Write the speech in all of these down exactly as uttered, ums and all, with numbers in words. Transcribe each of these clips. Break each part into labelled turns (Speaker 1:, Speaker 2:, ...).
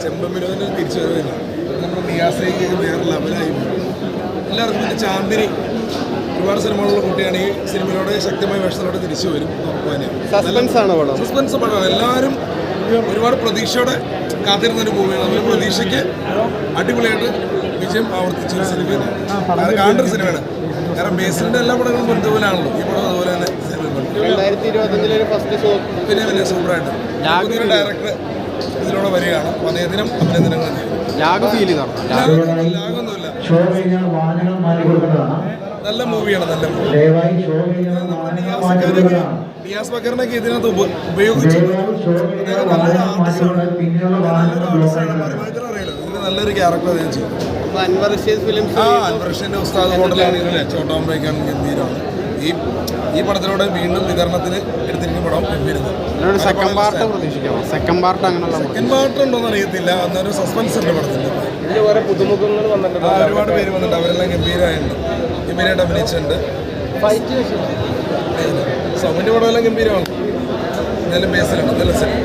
Speaker 1: ചെമ്പമ്മിനോദിന് തിരിച്ചു വരുന്നില്ല. നമ്മുടെ നിയാസയ്ക്ക് വേറെ ലെവലായി. എല്ലാവർക്കും പിന്നെ ചാന്ദിനി ഒരുപാട് സിനിമകളുള്ള കുട്ടിയാണ്. ഈ സിനിമയോടെ ശക്തമായ വേഷത്തിലോട്ട് തിരിച്ചു വരും. സസ്പെൻസ് പടമാണ്. എല്ലാവരും ഒരുപാട് പ്രതീക്ഷയോടെ കാത്തിരുന്നൊരു മൂവിയാണ്. അതുപോലെ പ്രതീക്ഷയ്ക്ക് അടിപൊളിയായിട്ട് വിജയം ആവർത്തിച്ചൊരു സിനിമയാണ്. അത് കാണേണ്ട സിനിമയാണ്. കാരണം ബേസിലിൻ്റെ എല്ലാ പടങ്ങളും ബന്ധുവിലാണല്ലോ. ഈ പടം അതുപോലെ തന്നെ പിന്നെ വലിയ സൂപ്പറായിട്ട് ഡയറക്ടർ ഇതിലൂടെ വരികയാണ്. അപ്പോൾ അദ്ദേഹത്തിനും അഭിനന്ദനങ്ങൾ. ലാഗൊന്നുമില്ല. നല്ല മൂവിയാണ്. നല്ല മൂവി. നിയാസ് ബക്കറിനൊക്കെ ഇതിനകത്ത് ഉപയോഗിച്ചു. നല്ലൊരു ആർട്ടിസ്റ്റാണ്. ഇതിന് നല്ലൊരു ക്യാരക്ടർ അദ്ദേഹം ചെയ്തു. ആ അൻവർ റഷീദിന്റെ ഉസ്താദ് ഹോട്ടലാണെങ്കിലും ചോട്ടാമ്പേക്കാണ് ഗംഭീരമാണ്. ഈ ഈ പടത്തിലൂടെ വീണ്ടും വിതരണത്തിന് എടുത്തിരിക്കുന്ന പടം ഗംഭീരമാണ്.
Speaker 2: സെക്കൻഡ് പാർട്ട് പ്രതീക്ഷിക്കാം. സെക്കൻഡ് പാർട്ട് അങ്ങനെയുള്ള
Speaker 1: സെക്കൻഡ് പാർട്ട് ഉണ്ടോന്ന് അറിയത്തില്ല. അന്നൊരു സസ്പെൻസ് ഉണ്ട് പടത്തിന്റെ.
Speaker 3: പുതുമുഖങ്ങൾ വന്നിട്ടുണ്ട്.
Speaker 1: ഒരുപാട് പേര് വന്നിട്ടുണ്ട്. അവരെല്ലാം ഗംഭീരമായിട്ടുണ്ട്. ഗംഭീരമായിട്ട് അഭിനയിച്ചിട്ടുണ്ട്. സൗമിന്റെ പടമെല്ലാം ഗംഭീരമാണ്. എന്നാലും ബേസിലാണ് നല്ല സിനിമ.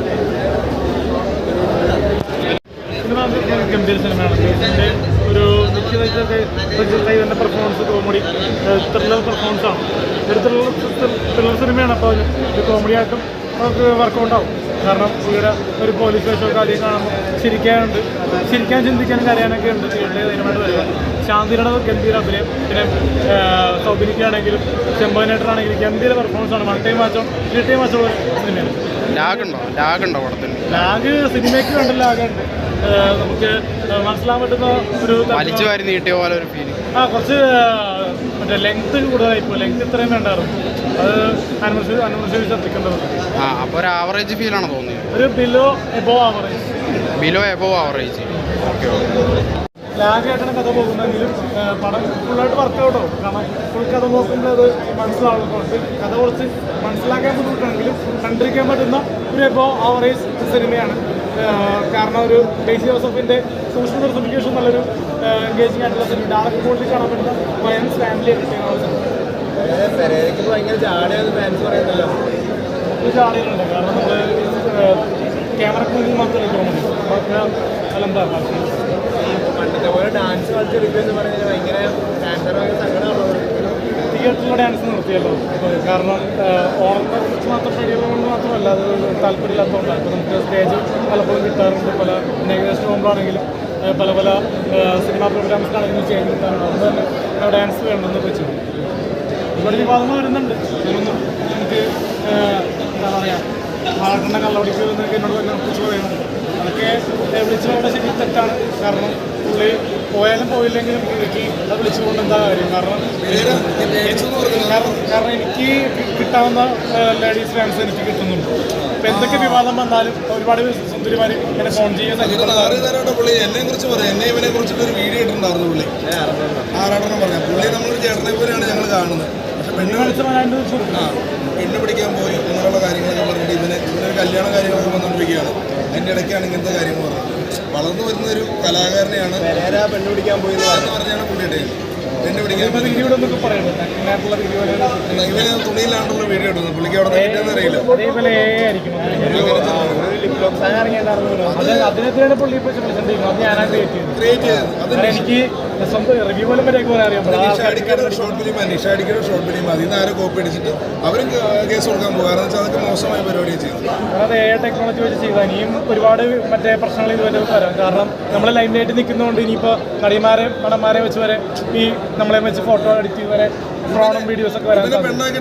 Speaker 4: ഗംഭീര സിനിമയാണ്. ബേസിൻ്റെ ഒരു നിശ്ചിത പെർഫോമൻസ് കോമഡി ത്രില്ലർ പെർഫോമൻസാണ്. ഒരു ത്രില്ലർ ത്രില്ലർ സിനിമയാണ്. അപ്പോൾ ഒരു കോമഡി ആയിട്ടും നമുക്ക് വർക്കൗട്ട് ആവും. കാരണം ഇവിടെ ഒരു പോലീസ് സ്റ്റേഷനൊക്കെ ആദ്യം കാണുമ്പോൾ ചിരിക്കാനുണ്ട്. ചിരിക്കാൻ ചിന്തിക്കാനും കരയാനൊക്കെ ഉണ്ട്. തിയേറ്ററിൽ ധൈര്യമായിട്ട് വരിക. ശാന്തിയുടെ ഗംഭീര അഭിനയം. പിന്നെ സൗബിനിക്കാണെങ്കിലും ചെമ്പനായിട്ടാണെങ്കിലും ഗംഭീര പെർഫോമൻസാണ്. വൺ ടൈം വാച്ചോ ത്രീ ടൈം വാച്ചോ സിനിമയാണ്.
Speaker 2: ലാഗുണ്ടോ ലാഗുണ്ടോ പടത്തിന്?
Speaker 4: ലാഗ് സിനിമയ്ക്ക് വേണ്ട ലാഗുണ്ട്. നമുക്ക് മനസ്സിലാൻ പറ്റുന്ന ഒരു
Speaker 2: വലിച്ചു വാരി നീട്ടിയ പോലെ ഒരു ഫീലിംഗ്.
Speaker 4: ആ കുറച്ച് മറ്റേ ലെങ്ത് കൂടുതലായിപ്പോൾ. ലെങ്ത് ഇത്രയും വേണ്ടായിരുന്നു. അത് അനുസരിച്ച് അനുസരിച്ച് ശ്രദ്ധിക്കേണ്ടത്.
Speaker 2: ആ അപ്പോൾ ഒരു ആവറേജ് ഫീലാണ് തോന്നിയത്.
Speaker 4: ഒരു below above average.
Speaker 2: Below above average. Okay okay.
Speaker 4: ലാഗായിട്ടാണ് കഥ പോകുന്നതെങ്കിലും പടം ഫുള്ളായിട്ട് വർക്കൗട്ട് ആവും. കാരണം ഫുൾ കഥ നോക്കുമ്പോൾ അത് മനസ്സിലാവുന്നുണ്ട്. കഥ കുറച്ച് മനസ്സിലാക്കാൻ ബുദ്ധിമുട്ടാണെങ്കിലും കണ്ടിരിക്കാൻ പറ്റുന്ന ഒരു എബോ ആവറേജ് സിനിമയാണ്. കാരണം ഒരു ബേസി ജോസഫിൻ്റെ സോഷ്യൽ സർട്ടിഫിക്കേഷൻ നല്ലൊരു എൻഗേജിങ് ആയിട്ടുള്ള സിനിമ. ഡയറക്റ്റ് ക്വാളിറ്റി കാണാൻ പറ്റുന്ന വയലൻസ് ഫാമിലി കിട്ടിയാണ്.
Speaker 3: ഭയങ്കര ചാടിയാണ് ഫാൻസ് പറയുന്നല്ലോ.
Speaker 4: ഒരു ചാടികളുണ്ട്. കാരണം നമ്മൾ ക്യാമറക്ക് മുന്നിൽ മാത്രമേ തോന്നുന്നു. അതൊക്കെ അതെന്താ
Speaker 3: പണ്ടത്തെ പോലെ ഡാൻസ് കളിച്ചെടുക്കുക എന്ന് പറയുന്നത് ഭയങ്കര ഫാൻസർ ഭയങ്കര സങ്കടമുള്ളത്.
Speaker 4: തിയേറ്ററിലെ ഡാൻസ് നിർത്തിയല്ലോ. കാരണം ഓണത്തെ കുറിച്ച് മാത്രം കഴിയുന്നതുകൊണ്ട് മാത്രമല്ല, അത് താല്പര്യമില്ലാത്തതുകൊണ്ടാണ്. ഇപ്പോൾ നമുക്ക് സ്റ്റേജ് പലപ്പോഴും കിട്ടാറുണ്ട്. പല നെഗസ്റ്റ് പോകുമ്പോഴാണെങ്കിലും പല പല സിനിമാ പ്രോഗ്രാംസിനാണെങ്കിലും ചേഞ്ച് കിട്ടാറുണ്ട്. അതുകൊണ്ട് തന്നെ ഡാൻസ് വേണമെന്ന് വെച്ചു. ഒരുപാട് വിവാദങ്ങൾ വരുന്നുണ്ട്. അതിനൊന്നും എനിക്ക് എന്താ പറയുക വളർന്ന കള്ളവടിക്ക് എന്നൊക്കെ എന്നോട് തന്നെ കുറിച്ച് പറയുന്നുണ്ട്. അതൊക്കെ വിളിച്ചു പോകേണ്ട ശരി തെറ്റാണ്. കാരണം പുള്ളി പോയാലും പോയില്ലെങ്കിലും എനിക്ക് അത് വിളിച്ചുകൊണ്ട് എന്താ കാര്യം. കാരണം കാരണം എനിക്ക് കിട്ടാവുന്ന ലേഡീസ് ഫാൻസ് എനിക്ക് കിട്ടുന്നുണ്ട്. ഇപ്പം എന്തൊക്കെ വിവാദം വന്നാലും ഒരുപാട് സുന്ദരിമാർ എന്നെ ഫോൺ ചെയ്യാൻ
Speaker 1: പുള്ളി എന്നെ കുറിച്ച് പറയാം. എന്നെ ഇവനെ കുറിച്ചിട്ട് ഒരു വീഡിയോ ഇട്ടിട്ടുണ്ടായിരുന്നു. പുള്ളി ആറാടനം പറയാം. പുള്ളി നമ്മളൊരു ചേട്ടനെ പോലെയാണ് ഞങ്ങൾ കാണുന്നത്. പക്ഷെ പെണ്ണ് കളിച്ച ആ പെണ്ണ് പിടിക്കാൻ പോയി അങ്ങനെയുള്ള കാര്യങ്ങളൊക്കെ പറഞ്ഞിട്ട് ഇതിന് ഇവനൊരു കല്യാണ കാര്യങ്ങളൊക്കെ വന്നുകൊണ്ടിരിക്കുകയാണ്. അതിൻ്റെ ഇടയ്ക്കാണ് ഇങ്ങനത്തെ കാര്യങ്ങൾ പറഞ്ഞത്. വളർന്നു വരുന്ന ഒരു കലാകാരനെയാണ്
Speaker 3: പെണ്ണ് പിടിക്കാൻ പോയി
Speaker 1: എന്ന് പറഞ്ഞാണ് പുള്ളിയുടെ പെണ്ണ് പിടിക്കാൻ
Speaker 4: വീഡിയോ എന്നൊക്കെ പറയുന്നത്.
Speaker 1: ഇവന് തുണിയിലാണ്ടുള്ള വീഡിയോ ഇടുന്നത്. പുള്ളിക്ക് അവിടെ കിട്ടിയെന്ന് അറിയില്ല.
Speaker 4: അതിനെതിരാണ് പുള്ളി ഇപ്പോൾ അത് ഞാനാണ് ക്രിയേറ്റ് ചെയ്തത്.
Speaker 1: ക്രിയേറ്റ് ചെയ്തത്
Speaker 4: അത് എനിക്ക് സ്വന്തം റിവ്യൂ പോലും വരെയൊക്കെ അറിയാം.
Speaker 1: നിഷാടിക്കയുടെ ഷോർട്ട് ഫിലിം നിഷാടിക്കയുടെ ഷോർട്ട് ഫിലിം അതിൽ നിന്ന് ആരും കോപ്പി അടിച്ചിട്ട് അവരും കേസ് കൊടുക്കാൻ പോകുക. കാരണം വെച്ചാൽ അതൊക്കെ മോശമായ പരിപാടിയാണ് ചെയ്യുന്നത്.
Speaker 4: അത് എ ടെക്നോളജി വെച്ച് ചെയ്താൽ ഇനിയും ഒരുപാട് മറ്റേ പ്രശ്നങ്ങൾ ഇതുവരെ വരാം. കാരണം നമ്മൾ ലൈനിലായിട്ട് നിൽക്കുന്നതുകൊണ്ട് ഇനിയിപ്പോൾ നടിമാരെ പടന്മാരെ വെച്ച് വരെ ഈ നമ്മളെ വെച്ച് ഫോട്ടോ എഡിറ്റ് വരെ ഫ്രോഡും വീഡിയോസ് ഒക്കെ വരാൻ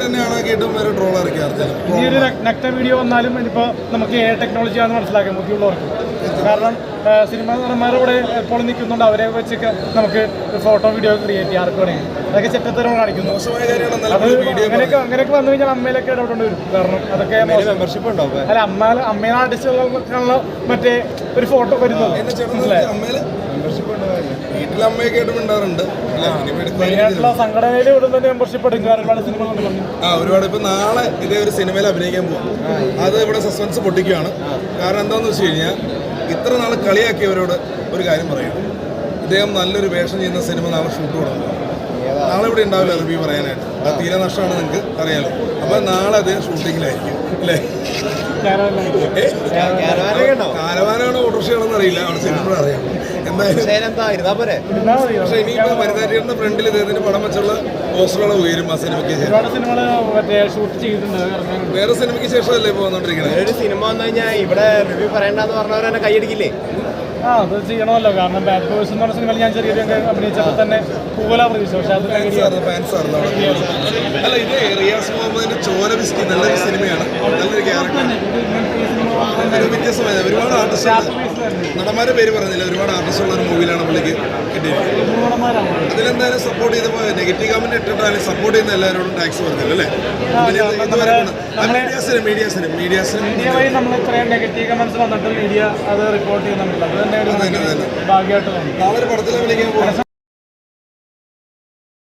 Speaker 4: ഈ ഒരു നെക്റ്റ വീഡിയോ വന്നാലും ഇനിയിപ്പോൾ നമുക്ക് എ ടെക്നോളജിയാണെന്ന് മനസ്സിലാക്കാം ബുദ്ധിയുള്ളവർക്ക്. കാരണം സിനിമാ നടന്മാരോടെ എപ്പോഴും നിൽക്കുന്നുണ്ട്. അവരെ വെച്ചൊക്കെ നമുക്ക് ഫോട്ടോ വീഡിയോ ക്രിയേറ്റ് ചെയ്യാം. ആർക്ക് വേണമെങ്കിൽ അതൊക്കെ ചെറ്റത്തരം കാണിക്കുന്നു. അത് അങ്ങനെയൊക്കെ അങ്ങനെയൊക്കെ വന്നു കഴിഞ്ഞാൽ അമ്മയിലൊക്കെ ഇടപെടേണ്ടി വരും. കാരണം അതൊക്കെ
Speaker 3: മെമ്പർഷിപ്പ് ഉണ്ടാവും.
Speaker 4: അല്ല അമ്മ അമ്മേനെ ആർട്ടിസ്റ്റുകൾക്കുള്ള മറ്റേ ഒരു ഫോട്ടോ വരുന്നത് മനസ്സിലായി.
Speaker 1: വീട്ടിലെ അമ്മയൊക്കെ ആയിട്ട് ഉണ്ടാറുണ്ട്.
Speaker 4: മെയിനായിട്ടുള്ള സംഘടനയിൽ വിടുന്ന മെമ്പർഷിപ്പ് എടുക്കുക. ഒരുപാട് സിനിമ കൊണ്ട് പറഞ്ഞു
Speaker 1: ആ ഒരുപാട്. ഇപ്പം നാളെ ഇതേ ഒരു സിനിമയിൽ അഭിനയിക്കാൻ പോകും. അത് ഇവിടെ സസ്പെൻസ് പൊട്ടിക്കുകയാണ്. കാരണം എന്താണെന്ന് വെച്ച് കഴിഞ്ഞാൽ ഇത്ര നാൾ കളിയാക്കിയവരോട് ഒരു കാര്യം പറയും. ഇദ്ദേഹം നല്ലൊരു വേഷം ചെയ്യുന്ന സിനിമ നാളെ ഷൂട്ട് തുടങ്ങും. നാളെ ഇവിടെ ഉണ്ടാവില്ല റിവ്യൂ പറയാനായിട്ട്. അത് തീരെ നഷ്ടമാണ്, നിങ്ങൾക്ക് അറിയാലോ. അപ്പോൾ നാളെ അദ്ദേഹം ഷൂട്ടിങ്ങിലായിരിക്കും അല്ലേ? കാരവാനാണോ ഓട്ടോറിക്ഷയാണെന്ന് അറിയില്ല, അവിടെ ചെല്ലുമ്പോഴും അറിയാം. എന്തായാലും
Speaker 3: എന്താ ഇരുന്നാ പോരെ.
Speaker 4: ഇരുന്നാൽ മതി.
Speaker 1: പക്ഷേ ഇനിയിപ്പോൾ വനിതാരിയുടെ ഫ്രണ്ടിൽ ഇദ്ദേഹത്തിന്റെ പടം വെച്ചുള്ള പോസ്റ്ററുകൾ ഉയരും ആ സിനിമയ്ക്ക് ശേഷം.
Speaker 4: ഒരുപാട് സിനിമകൾ മറ്റേ ഷൂട്ട് ചെയ്തിട്ടുണ്ട്, ഇറങ്ങാനുണ്ട്.
Speaker 1: വേറെ സിനിമയ്ക്ക് ശേഷമല്ലേ ഇപ്പോൾ വന്നുകൊണ്ടിരിക്കുന്നത്?
Speaker 3: ഒരു സിനിമ വന്നു കഴിഞ്ഞാൽ ഇവിടെ റിവ്യൂ പറയണ്ടെന്ന് പറഞ്ഞവർ തന്നെ കൈയടിക്കില്ലേ?
Speaker 4: ആ അത് ചെയ്യണമല്ലോ, കാരണം ബാഡ് ബോയ്സ് എന്ന് പറഞ്ഞ സിനിമയിൽ ഞാൻ ചെറിയൊരു അഭിനയിച്ചപ്പോൾ തന്നെ പൂവല പ്രതീക്ഷ, പക്ഷെ അത്
Speaker 1: ഫാൻസ് ആയിരുന്നു, ഫാൻസ് ആയിരുന്നു അവിടെ. അല്ല, ഇത് റിയാസ് മുഹമ്മദിന്റെ ചോര വിസ്കി നല്ലൊരു സിനിമയാണ്, നല്ലൊരു ക്യാരക്ടർ, ഒരു വ്യത്യസ്തമായ ഒരുപാട് ആർട്ടിസ്റ്റ് നടന്മാരുടെ പേര് പറഞ്ഞില്ല, ഒരുപാട് ആർട്ടിസ്റ്റ് ഉള്ള ഒരു മൂവിയിലാണ് പുള്ളിക്ക് കിട്ടിയത്. അതിലെന്തായാലും സപ്പോർട്ട് ചെയ്തപ്പോൾ നെഗറ്റീവ് കമന്റ് ഇട്ടിട്ടാലും സപ്പോർട്ട് ചെയ്യുന്ന എല്ലാവരോടും ടാക്സ് പറഞ്ഞില്ല അല്ലേ? ഇതുവരെ മീഡിയാസിനും മീഡിയാസിനും മീഡിയാസിനും
Speaker 4: മീഡിയ വഴി നമ്മൾ ഇത്രയും നെഗറ്റീവ് കമന്റ്സ് വന്നിട്ട് മീഡിയ അത് റിപ്പോർട്ട് ചെയ്യുന്നുണ്ടല്ലോ, അത് തന്നെ ഒരു ഭാഗ്യമായിട്ട് തോന്നി.
Speaker 1: നാളെ ഒരു പടത്തിലെ വിളിക്കാൻ പോകും.